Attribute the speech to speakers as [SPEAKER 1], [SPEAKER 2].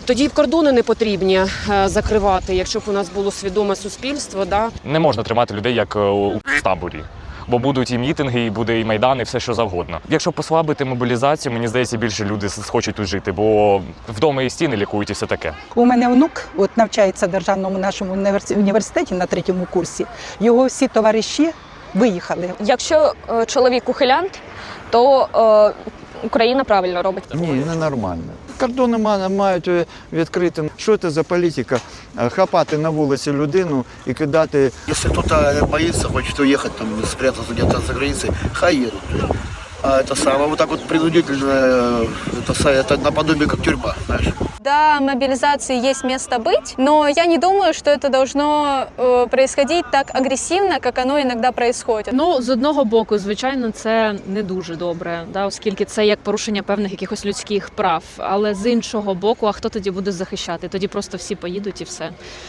[SPEAKER 1] Тоді б кордони не потрібні закривати, якщо б у нас було свідоме суспільство. Да?
[SPEAKER 2] Не можна тримати людей як у таборі. Бо будуть і мітинги, і буде і майдан, і все, що завгодно. Якщо послабити мобілізацію, мені здається, більше люди схочуть тут жити, бо вдома і стіни лікують і все таке.
[SPEAKER 3] У мене онук навчається в державному нашому університеті на 3-му курсі. Його всі товариші виїхали.
[SPEAKER 4] Якщо чоловік ухилянт, то Україна правильно робить.
[SPEAKER 5] Ні, ненормально. Кордони мають відкрити. Що це за політика? Хапати на вулиці людину і кидати.
[SPEAKER 6] Если кто-то боится, хочет уехать, там, спрятаться где-то за границей, хай едут. А это самое, вот так вот принудительно, это наподобие как тюрьма, знаешь.
[SPEAKER 4] Да, мобилизации есть место быть, но я не думаю, что это должно происходить так агрессивно, как оно иногда происходит.
[SPEAKER 7] Ну, з одного боку, звичайно, це не дуже добре, да, оскільки це як порушення певних якихось людських прав. Але з іншого боку, а хто тоді буде захищати? Тоді просто всі поїдуть і все.